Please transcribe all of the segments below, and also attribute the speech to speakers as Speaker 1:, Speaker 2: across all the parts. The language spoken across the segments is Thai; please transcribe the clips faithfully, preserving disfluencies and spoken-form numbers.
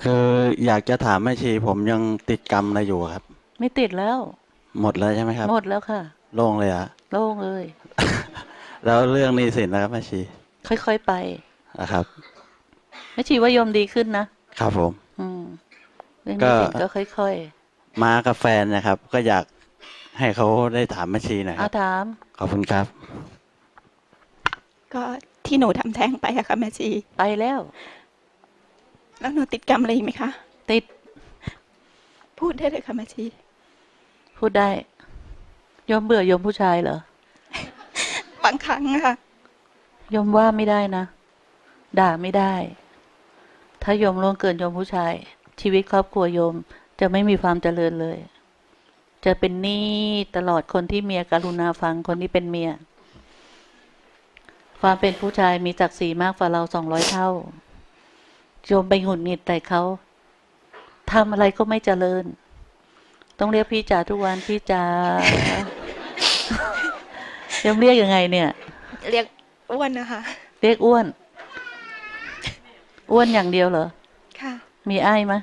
Speaker 1: คืออยากจะถามแม่ชีผมยังติดกรรมอะไรอยู่ครับ
Speaker 2: ไม่ติดแล้ว
Speaker 1: หมดแล้วใช่ไหมครับ
Speaker 2: หมดแล้วค่ะ
Speaker 1: โล่งเลยอะ
Speaker 2: โล่งเลย
Speaker 1: แล้วเรื่องหนี้สินนะครับแม่ชี
Speaker 2: ค่อยๆไป
Speaker 1: นะครับ
Speaker 2: ไม่ชีว่าโยมดีขึ้นนะครับ
Speaker 1: ผม
Speaker 2: อืมเรื่องหนี้
Speaker 1: ก็
Speaker 2: สินก็ค่อย
Speaker 1: มากับแฟนนะครับก็อยากให้เขาได้ถามแม่ชีหน่อยครับ
Speaker 2: ๆอาถาม
Speaker 1: ขอบคุณครับ
Speaker 3: ก็ที่หนูทำแท้งไปอะค่ะแม่ชี
Speaker 2: ไปแล้ว
Speaker 3: แล้วหนูติดกรรมอะไรอีกไหมคะ
Speaker 2: ติด
Speaker 3: พูดได้เลยค่ะแม่ชี
Speaker 2: พูดได้โยมเบื่อโยมผู้ชายเหรอ
Speaker 3: บางครั้งอะค่ะ
Speaker 2: โยมว่าไม่ได้นะด่าไม่ได้ถ้าโยมล่วงเกินโยมผู้ชายชีวิตครอบครัวโยมจะไม่มีความเจริญเลยจะเป็นหนี้ตลอดคนที่เมียกรุณาฟังคนที่เป็นเมียความเป็นผู้ชายมีศักดิ์ศรีมากกว่าเราสองร้อยเท่าโยมไปหงุดหงิดแต่เขาทำอะไรก็ไม่เจริญต้องเรียกพี่จ๋าทุกวันพี่จ๋าโยมเรียกยังไงเนี่ย
Speaker 3: เรียกอ้วนนะคะ
Speaker 2: เรียกอ้วนอ้วนอย่างเดียวเหรอ
Speaker 3: ค่ะ
Speaker 2: มีไอ้ไหม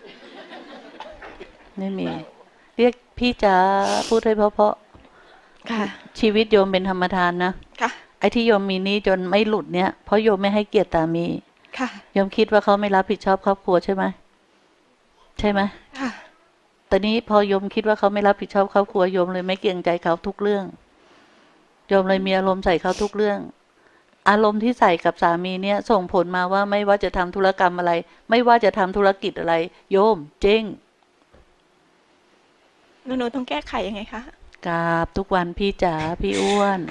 Speaker 2: ไม่มีเรียกพี่จ๋าพูดให้เพราะ
Speaker 3: ค่ะ
Speaker 2: ๆชีวิตโยมเป็นธรรมทานนะ
Speaker 3: ค่ะ
Speaker 2: ไอ้ที่โยมมีนี้จนไม่หลุดเนี่ยเพราะโยมไม่ให้เกียรติสามี
Speaker 3: ค่ะ
Speaker 2: โยมคิดว่าเขาไม่รับผิดชอบครอบครัวใช่ไหมใช่ไหม
Speaker 3: ค่ะ
Speaker 2: ตอนนี้พอโยมคิดว่าเขาไม่รับผิดชอบครอบครัวโยมเลยไม่เกรงใจเขาทุกเรื่องโยมเลยมีอารมณ์ใส่เขาทุกเรื่องอารมณ์ที่ใส่กับสามีเนี่ยส่งผลมาว่าไม่ว่าจะทำธุรกรรมอะไรไม่ว่าจะทำธุรกิจอะไรโยมเจ๊ง
Speaker 3: หนูหนูต้องแก้ไขยังไงคะ
Speaker 2: กราบทุกวันพี่จ๋าพี่อ้วน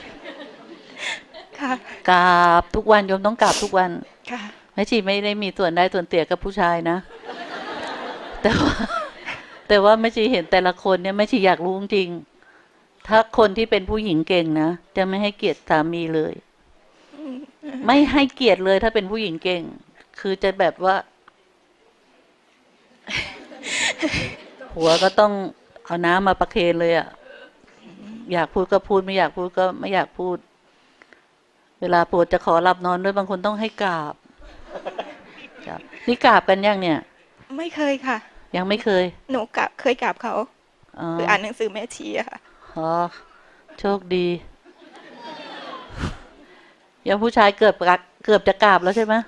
Speaker 3: ค่ะ
Speaker 2: กราบทุกวันโยมต้องกราบทุกวัน
Speaker 3: ค่ะ
Speaker 2: แม่ชีไม่ได้มีส่วนได้ส่วนเตี่ยกับผู้ชายนะแต่ว่าแต่ว่าแม่ชีเห็นแต่ละคนเนี่ยแม่ชีอยากรู้จริงถ้าคนที่เป็นผู้หญิงเก่งนะจะไม่ให้เกียรติสามีเลยไม่ให้เกียรติเลยถ้าเป็นผู้หญิงเก่งคือจะแบบว่าหัวก็ต้องเอาน้ำมาประเคนเลยอะอยากพูดก็พูดไม่อยากพูดก็ไม่อยากพูดเวลาปวดจะขอหลับนอนด้วยบางคนต้องให้กราบนี่กราบกันยังเนี่ย
Speaker 3: ไม่เคยค่ะ
Speaker 2: ยังไม่เคย
Speaker 3: หนูกราบเคยกราบเขาคืออ่านหนังสือแม่ชีอะค่ะ
Speaker 2: อ๋อโชคดียังผู้ชายเกือบเกือบจะกราบแล้วใช่ไหม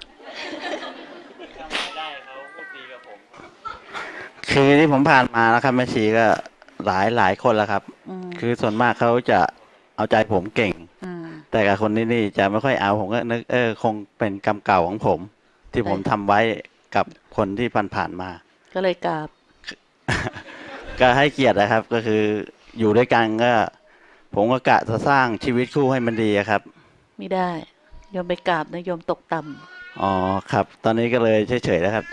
Speaker 1: คือที่ผมผ่านมาแล้วครับแม่ชีก็หลายหลายคนแล้วครับคือส่วนมากเขาจะเอาใจผมเก่งแต่กับคนนี้นี่จะไม่ค่อยเอาผมก็นึกเออคงเป็นกรรมเก่าของผม ที่ผมทำไว้กับคนที่ผ่านๆมา
Speaker 2: ก็เลยกราบ
Speaker 1: ก็ให้เกียรตินะครับก็คืออยู่ด้วยกันก็ผมก็กะจะสร้างชีวิตคู่ให้มันดีครับ
Speaker 2: ไม่ได้โยมไปกราบนะโยมตกต่
Speaker 1: ำอ๋อครับตอนนี้ก็เลยเฉยๆแล้วครับ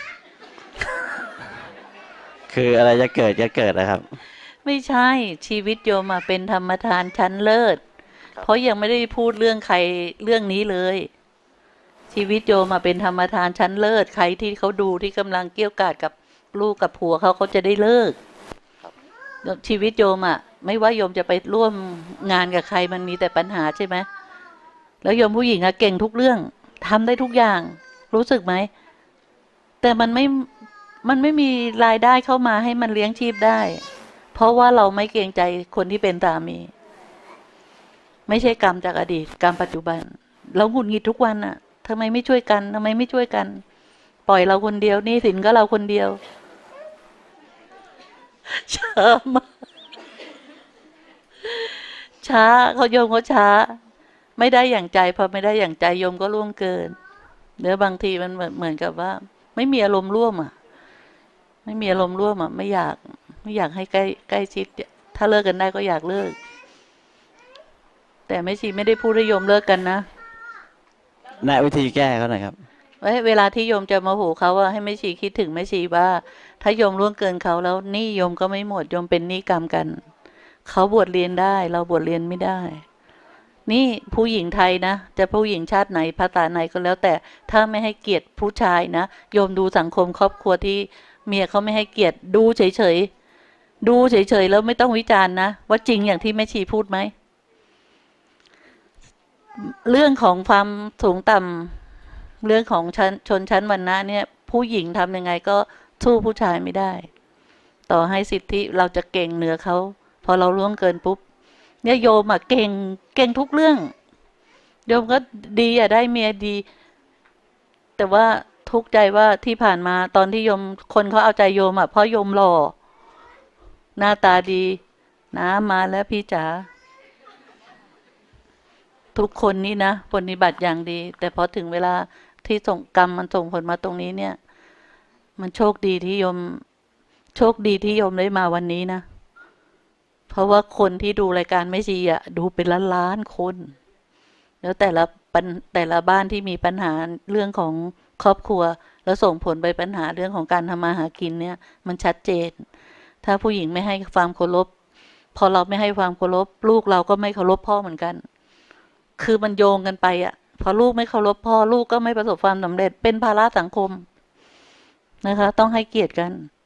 Speaker 1: คืออะไรจะเกิดจะเกิดนะครับ
Speaker 2: ไม่ใช่ชีวิตโยมมาเป็นธรรมทานชั้นเลิศเพราะยังไม่ได้พูดเรื่องใครเรื่องนี้เลยชีวิตโยมมาเป็นธรรมทานชั้นเลิศใครที่เขาดูที่กำลังเกี่ยวกาดกับลูกกับผัวเขาเขาจะได้เลิกชีวิตโยมอ่ะไม่ว่าโยมจะไปร่วมงานกับใครมันมีแต่ปัญหาใช่ไหมแล้วโยมผู้หญิงอะเก่งทุกเรื่องทำได้ทุกอย่างรู้สึกไหมแต่มันไม่มันไม่มีรายได้เข้ามาให้มันเลี้ยงชีพได้เพราะว่าเราไม่เกรงใจคนที่เป็นสามีไม่ใช่กรรมจากอดีตกรรมปัจจุบันเราหงุดหงิดทุกวันอะทำไมไม่ช่วยกันทำไมไม่ช่วยกันปล่อยเราคนเดียวหนี้สินก็เราคนเดียวช้ามากช้าเขาโยมเขาช้าไม่ได้อย่างใจพอไม่ได้อย่างใจโยมก็ล่วงเกินเดี๋ยวบางทีมันเหมือนเหมือนกับว่าไม่มีอารมณ์ร่วมอ่ะไม่มีอารมณ์ร่วมอ่ะไม่อยากไม่อยากให้ใกล้ใกล้ชิดถ้าเลิกกันได้ก็อยากเลิกแต่ไม่ชีไม่ได้พูดให้โยมเลิกกันนะ
Speaker 1: แนะวิธีแก้เขาหน่อยครับ
Speaker 2: เวลาที่โยมจะมาโหเขาว่าให้ไม่ชีคิดถึงไม่ชีว่าถ้าโยมล่วงเกินเขาแล้วหนี้โยมก็ไม่หมดโยมเป็นหนี้กรรมกันเขาบวชเรียนได้เราบวชเรียนไม่ได้นี่ผู้หญิงไทยนะจะผู้หญิงชาติไหนภาษาไหนก็แล้วแต่ถ้าไม่ให้เกียรติผู้ชายนะโยมดูสังคมครอบครัวที่เมียเขาไม่ให้เกียรติดูเฉยๆดูเฉยๆแล้วไม่ต้องวิจารณ์นะว่าจริงอย่างที่แม่ชีพูดไหมเรื่องของความสูงต่ำเรื่องของชั้นชนชั้นวรรณะเนี่ยผู้หญิงทำยังไงก็สู้ผู้ชายไม่ได้ ต่อให้สิทธิเราจะเก่งเหนือเขาพอเราล่วงเกินปุ๊บเนี่ยโยมอ่ะเก่งเก่งทุกเรื่องโยมก็ดีอ่ะได้เมียดี แต่ว่าทุกข์ใจว่าที่ผ่านมาตอนที่โยมคนเขาเอาใจโยมอ่ะเพราะโยมหล่อหน้าตาดีนะมาแล้วพี่จ๋าทุกคนนี่นะปฏิบัติอย่างดี แต่พอถึงเวลาที่ส่งกรรมมันส่งผลมาตรงนี้เนี่ย มันโชคดีที่โยมโชคดีที่โยมได้มาวันนี้นะเพราะว่าคนที่ดูรายการแม่ชีอ่ะดูเป็นล้านล้านคน แล้วแต่ละปัญแต่ละบ้านที่มีปัญหาเรื่องของครอบครัว แล้วส่งผลไปปัญหาเรื่องของการทำมาหากินเนี่ย มันชัดเจน ถ้าผู้หญิงไม่ให้ความเคารพพอเราไม่ให้ความเคารพลูกเราก็ไม่เคารพพ่อเหมือนกัน คือมันโยงกันไปอ่ะพอลูกไม่เคารพพ่อลูกก็ไม่ประสบความสำเร็จเป็นภาระสังคมนะคะ ต้องให้เกียรติกัน